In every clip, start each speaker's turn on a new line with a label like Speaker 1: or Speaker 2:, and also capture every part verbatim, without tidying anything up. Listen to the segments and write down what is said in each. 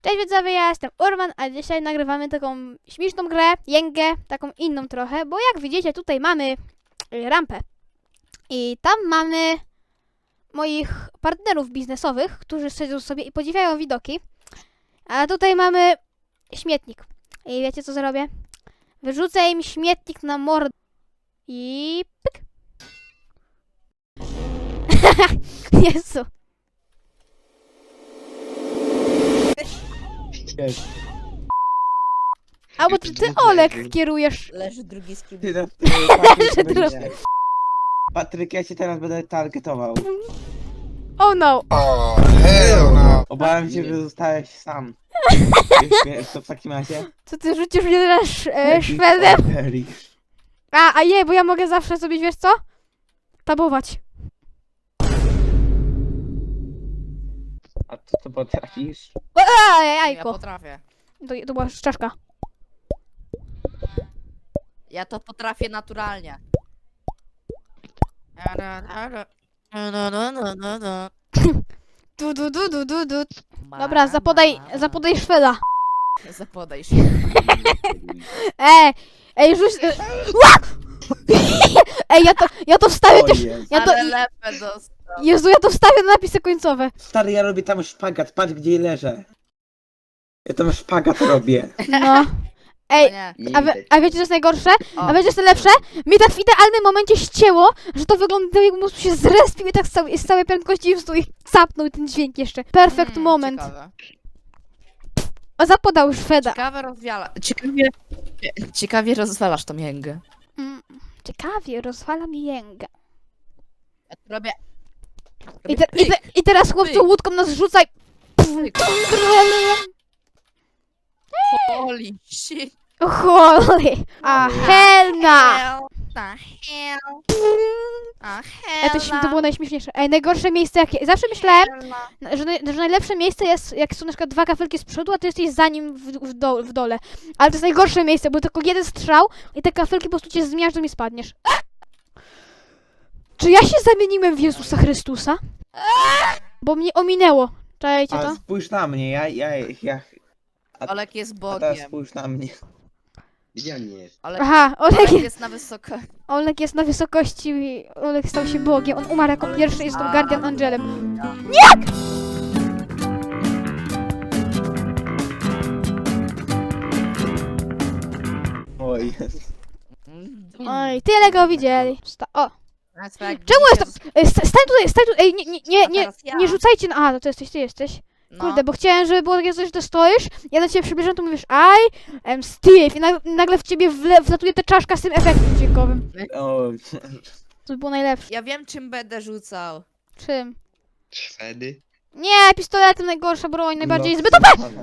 Speaker 1: Cześć widzowie, ja jestem Urban, a dzisiaj nagrywamy taką śmieszną grę, jęgę, taką inną trochę, bo jak widzicie tutaj mamy y, rampę i tam mamy moich partnerów biznesowych, którzy siedzą sobie i podziwiają widoki, a tutaj mamy śmietnik i wiecie co zrobię? Wyrzucę im śmietnik na mordę i pyk. Jezu.
Speaker 2: Jest.
Speaker 1: Albo ty, ty Olek kierujesz.
Speaker 3: Leży drugi z kim.
Speaker 2: Ty na- Patryk,
Speaker 1: Leży
Speaker 2: będziesz- Patryk, ja cię teraz będę targetował.
Speaker 1: Oh no.
Speaker 2: Obawiam się, że zostałeś sam. Wiesz, to w takim razie?
Speaker 1: Co ty rzucisz mnie teraz e,
Speaker 2: Jakiś
Speaker 1: Szwedem?
Speaker 2: Patryk.
Speaker 1: A, a je, bo ja mogę zawsze sobie, wiesz co? Tabować.
Speaker 2: A co to potrafisz?
Speaker 1: Ej,
Speaker 3: Ja
Speaker 1: jajko.
Speaker 3: potrafię.
Speaker 1: To, to była czaszka.
Speaker 3: Ja to potrafię naturalnie.
Speaker 1: Du, du, du, du, du, du. Dobra, zapodaj, zapodaj Szweda.
Speaker 3: Zapodaj się.
Speaker 1: Ej, ej, rzuć... e, Ła! Ej, ja to, ja to wstawię
Speaker 2: O
Speaker 1: też...
Speaker 2: jest.
Speaker 1: Ja to...
Speaker 3: Ale lepę dostał.
Speaker 1: Jezu, ja to wstawię na napisy końcowe.
Speaker 2: Stary, ja robię tam szpagat, patrz gdzie leżę. Ja tam szpagat robię.
Speaker 1: No.
Speaker 3: O
Speaker 1: Ej,
Speaker 3: nie.
Speaker 1: a, wie, a wiecie co jest najgorsze?
Speaker 3: O.
Speaker 1: A wiecie co jest najlepsze? Mi tak w idealnym momencie ścięło, że to wyglądało jakby mózg się zrespił i tak z całej, z całej prędkości wstół i zapnął ten dźwięk jeszcze. Perfect
Speaker 3: Mm,
Speaker 1: moment.
Speaker 3: Ciekawe.
Speaker 1: O, zapodał Szweda.
Speaker 3: Ciekawe rozwiala. Ciekawie. Ciekawie rozwalasz tą jęgę.
Speaker 1: Mm, ciekawie, rozwala mi jęga.
Speaker 3: Ja tu robię.
Speaker 1: I, te, i, te, I teraz chłopcu
Speaker 3: Pyk.
Speaker 1: łódką nas rzucaj.
Speaker 3: Pyk. Holy shit.
Speaker 1: Holy. A helna.
Speaker 3: Hell. The hell. A
Speaker 1: Ej, to, śm- to było najśmieszniejsze. Ej, najgorsze miejsce jakie... Zawsze myślałem, że, naj, że najlepsze miejsce jest, jak są na przykład dwa kafelki z przodu, a ty jesteś za nim w, w, do, w dole. Ale to jest najgorsze miejsce, bo tylko jeden strzał i te kafelki po prostu cię zmiażdżą i spadniesz. Czy ja się zamieniłem w Jezusa Chrystusa? Bo mnie ominęło. Czajcie
Speaker 2: A
Speaker 1: to?
Speaker 2: spójrz na mnie, ja, ja, ja...
Speaker 3: Olek jest
Speaker 2: A teraz
Speaker 3: Bogiem.
Speaker 2: spójrz na mnie.
Speaker 4: Gdzie on jest?
Speaker 3: Olek,
Speaker 1: Aha, Olek,
Speaker 3: Olek
Speaker 1: jest,
Speaker 3: jest na wysoko.
Speaker 1: Olek jest na wysokości, Olek stał się Bogiem. On umarł jako pierwszy i został Guardian Angelem.
Speaker 2: O jest.
Speaker 1: Oj, tyle go widzieli. Sta- o,
Speaker 3: Czemu
Speaker 1: czemu jest to? Ej, sta- stań tutaj, stań tutaj, ej, nie, nie, nie, nie,
Speaker 3: ja.
Speaker 1: nie rzucajcie na... A, to, to jesteś, ty jesteś.
Speaker 3: No.
Speaker 1: Kurde, bo chciałem, żeby było takie coś, że ty stoisz, ja do ciebie przybliżam, to mówisz I am Steve i nagle, nagle w ciebie wle, wlatuje ta czaszka z tym efektem dźwiękowym.
Speaker 2: O,
Speaker 1: To by było najlepsze.
Speaker 3: Ja wiem, czym będę rzucał.
Speaker 1: Czym?
Speaker 4: Szwedy?
Speaker 1: Nie, pistoletem najgorsza broń, najbardziej
Speaker 2: no,
Speaker 1: zbyt O P!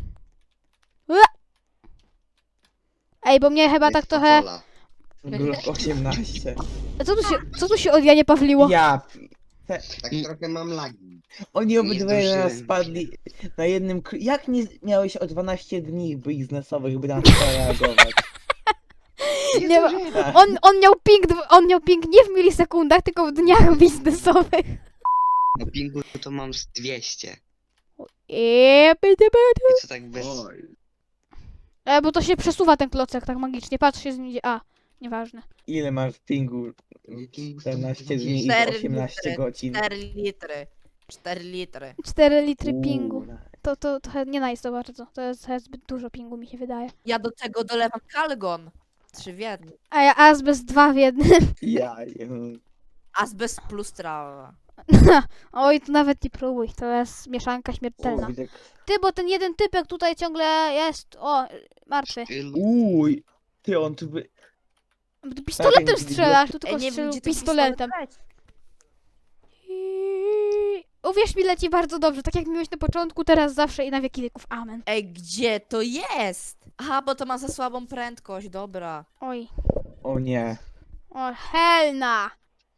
Speaker 1: Ej, bo mnie chyba tak trochę...
Speaker 4: Coca-Cola.
Speaker 2: Glock osiemnaście.
Speaker 1: Co tu się, co tu się od Janie Pawliło?
Speaker 2: Ja... Te,
Speaker 4: Tak trochę mam lagi.
Speaker 2: oni obydwoje na nas
Speaker 4: zdążyłem.
Speaker 2: spadli na jednym... kr- Jak nie miałeś o dwanaście dni biznesowych, by na to zareagować?
Speaker 1: Nie ma... On, on miał ping, dw- on miał ping nie w milisekundach, tylko w dniach biznesowych.
Speaker 4: Na pingu to mam z dwieście.
Speaker 1: Eee, pyty, pyty.
Speaker 4: I co tak bez...
Speaker 1: E, bo to się przesuwa ten klocek tak magicznie, patrz się z nim idzie. A, nieważne.
Speaker 2: Ile masz pingu?
Speaker 4: Pingu
Speaker 2: czternaście dni i
Speaker 3: Cztery
Speaker 2: osiemnaście
Speaker 3: litry.
Speaker 2: godzin.
Speaker 3: cztery litry. cztery litry.
Speaker 1: cztery litry pingu.
Speaker 2: Uuu,
Speaker 1: To, to trochę nie nice to bardzo. To jest trochę zbyt dużo pingu mi się wydaje.
Speaker 3: Ja do tego dolewam kalgon. Trzy w jednym.
Speaker 1: A ja azbest dwa w jednym.
Speaker 2: Ja, jem.
Speaker 3: Azbest plus trawa.
Speaker 1: Oj, to nawet nie próbuj. To jest mieszanka
Speaker 2: O,
Speaker 1: śmiertelna.
Speaker 2: widzę-
Speaker 1: Ty, bo ten jeden typek tutaj ciągle jest. O, martwy.
Speaker 4: Stylu.
Speaker 2: Uj, ty on tu by...
Speaker 1: Tu pistoletem
Speaker 2: Tak,
Speaker 1: strzelasz, tu
Speaker 3: Ej,
Speaker 1: tylko
Speaker 3: nie wiem,
Speaker 1: strzelił
Speaker 3: gdzie ten
Speaker 1: pistoletem.
Speaker 3: pistolet leci.
Speaker 1: I- Uwierz mi, leci bardzo dobrze. Tak jak miałeś na początku, teraz zawsze i na wieki wieków. Amen.
Speaker 3: Ej, gdzie to jest? Aha, bo to ma za słabą prędkość, dobra.
Speaker 1: Oj.
Speaker 2: O nie.
Speaker 1: O, helna.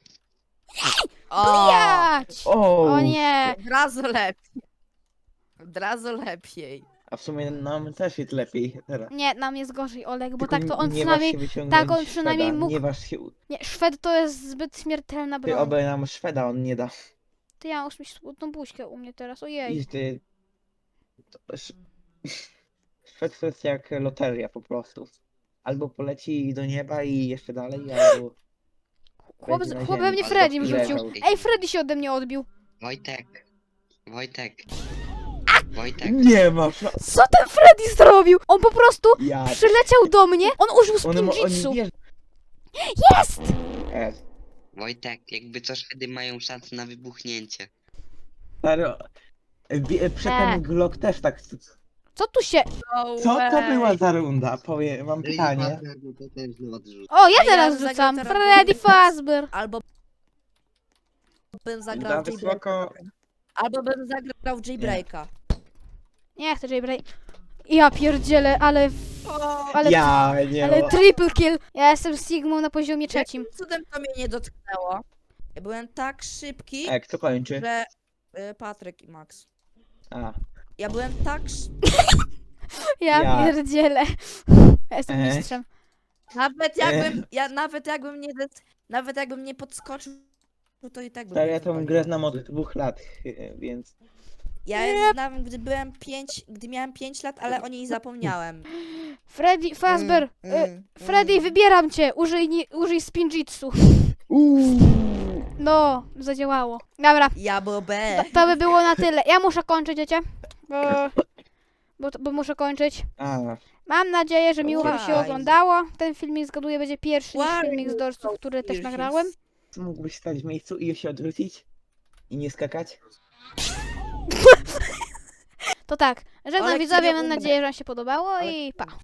Speaker 3: O!
Speaker 1: Jać!
Speaker 2: O,
Speaker 1: O nie.
Speaker 3: Od razu lepiej. Od razu lepiej.
Speaker 2: A w sumie nam też jest lepiej teraz.
Speaker 1: Nie, nam jest gorzej, Oleg, bo
Speaker 2: Tylko
Speaker 1: tak to on
Speaker 2: nie
Speaker 1: przynajmniej...
Speaker 2: waż się wyciągnąć
Speaker 1: tak, on przynajmniej
Speaker 2: Szweda,
Speaker 1: mógł-
Speaker 2: Nie waż się... u-
Speaker 1: Nie, Szwed to jest zbyt śmiertelna
Speaker 2: Ty
Speaker 1: broń.
Speaker 2: obaj nam Szweda on nie da.
Speaker 1: Ty, ja już mi smutną buźkę u mnie teraz, ojej.
Speaker 2: I ty... To sz- Szwed to jest jak loteria po prostu. Albo poleci do nieba i jeszcze dalej, albo...
Speaker 1: Chłop,
Speaker 2: będzie na
Speaker 1: chłop we
Speaker 2: ziemi.
Speaker 1: mnie
Speaker 4: Albo
Speaker 1: Freddy
Speaker 2: leżał.
Speaker 1: wrzucił. Ej, Freddy się ode mnie odbił.
Speaker 4: Wojtek. Wojtek. Wojtek.
Speaker 2: Nie ma szans.
Speaker 1: Co ten Freddy zrobił? On po prostu
Speaker 2: Ja...
Speaker 1: przyleciał do mnie, on użył
Speaker 2: One, mo- oni
Speaker 1: spinjitsu.
Speaker 2: wierzą.
Speaker 1: Jest!
Speaker 2: E,
Speaker 4: Wojtek, jakby co wtedy mają szansę na wybuchnięcie.
Speaker 2: stary, wie- Przy
Speaker 1: E.
Speaker 2: ten Glock też tak...
Speaker 1: Co tu się...
Speaker 3: No
Speaker 2: Co to
Speaker 3: way.
Speaker 2: była za runda? Powiem, mam pytanie.
Speaker 4: To też odrzuć.
Speaker 1: O, ja
Speaker 3: A ja
Speaker 1: teraz
Speaker 3: zagram
Speaker 1: rzucam.
Speaker 3: teraz
Speaker 1: Freddy
Speaker 3: do-
Speaker 1: Fazbear.
Speaker 3: Albo bym zagrał
Speaker 2: Za
Speaker 3: w
Speaker 2: wysoko...
Speaker 3: Jailbreaka. Albo bym zagrał w Jailbreaka.
Speaker 1: Nie chcę Jaybreak. Ja pierdzielę, ale... Ale,
Speaker 2: Ja nie
Speaker 1: ale
Speaker 2: ma-
Speaker 1: triple kill. Ja jestem Sigmą na poziomie trzecim.
Speaker 3: Jakim cudem to mnie nie dotknęło? Ja byłem tak szybki,
Speaker 2: E, kto kończy?
Speaker 3: że... y, Patryk i Max.
Speaker 2: A.
Speaker 3: Ja byłem tak... sz-
Speaker 1: Ja,
Speaker 2: Ja.
Speaker 1: pierdzielę. Ja jestem
Speaker 2: E.
Speaker 1: mistrzem.
Speaker 3: Nawet jakbym... Ja nawet jakbym nie... des- Nawet jakbym nie podskoczył, no to i tak bym...
Speaker 2: Stary,
Speaker 3: nie
Speaker 2: ja tą
Speaker 3: wypalił.
Speaker 2: grę znam od dwóch lat, e, więc...
Speaker 3: Ja
Speaker 1: Yep.
Speaker 3: znam, gdy byłem pięć... Gdy miałem pięć lat, ale o niej zapomniałem.
Speaker 1: Freddy Fazbear.
Speaker 3: Mm,
Speaker 1: y,
Speaker 3: mm,
Speaker 1: Freddy,
Speaker 3: mm.
Speaker 1: wybieram cię. Użyj, ni- użyj spinjitsu.
Speaker 2: Uuu.
Speaker 1: No, zadziałało. Dobra,
Speaker 3: Ja
Speaker 1: to,
Speaker 3: bobę.
Speaker 1: to by było na tyle. Ja muszę kończyć, wiecie? Bo, bo, bo muszę kończyć.
Speaker 2: A,
Speaker 1: Mam nadzieję, że miło wam się
Speaker 3: Why?
Speaker 1: oglądało. Ten filmik, zgaduję, będzie pierwszy niż
Speaker 3: Why
Speaker 1: filmik z
Speaker 3: you
Speaker 1: Dorsów,
Speaker 3: so
Speaker 1: który też
Speaker 3: serious?
Speaker 1: nagrałem.
Speaker 2: co mógłbyś stać w miejscu i się odwrócić? I nie skakać?
Speaker 1: To tak, żegnam
Speaker 3: Ale
Speaker 1: widzowie,
Speaker 3: kiedy
Speaker 1: mam
Speaker 3: umrę?
Speaker 1: nadzieję, że wam się podobało
Speaker 3: Ale-
Speaker 1: i pa.